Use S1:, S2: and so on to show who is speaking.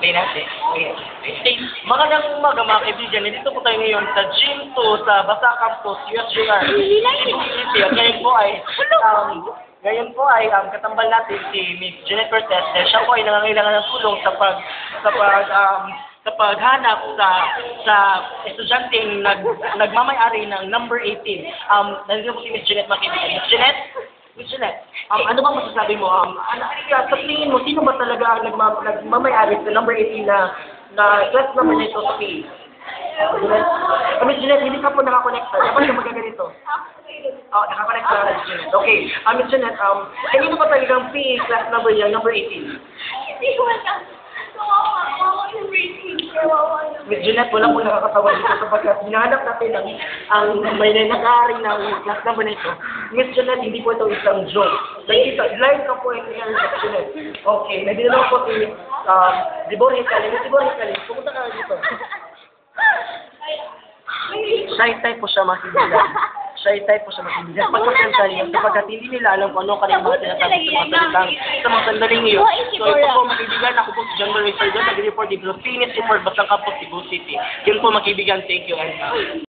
S1: Play natin. Okay. Magandang umaga mga kaibigan. Nandito po tayo ngayon sa Gym 2 sa Basa Campus, USJR. Ngayon po ay katambal natin si Miss Jeanette Cortez. Siya po ay nangangailangan ng tulong sa paghanap sa estudyanteng nagmamay-ari ng number 18. Nandito po si Miss Jeanette mga kaibigan. Miss Jeanette, ano bang masasabi mo? Sa tingin mo, sino ba talaga ang nagmamay-ari sa number 18 na class number nito sa PE? Miss Jeanette, hindi ka po nakakonekta. Dapat ka magaganito. Nakakonect ka na, Miss Jeanette. Okay. Miss Jeanette, kanino ba talagang PE class number yan, number 18?
S2: Hindi ko alam. Kawawa yung rating.
S1: Miss Jeanette, wala po nakakatawa dito sapagkat hinahanap natin ang may nag-aari ng class number nito. Miss Jeanette, hindi po ito isang joke. Live ka po yung Miss Jeanette. Okay, nagdala po si Dibor Hicali. Miss Dibor Hicali, pumunta ka dito. Shy type po siya makibigan. Shy type po siya makibigan. Pagkakanta niya, sapagkat hindi nila alam kung ano kanilang mga sinasabi sa mga sandaling iyo. So ito po makibigan, ako po si John Marie Sardon, nag-report dito sa Phoenix Report, Basang Campus, Cebu City. Yun po makibigan, thank you.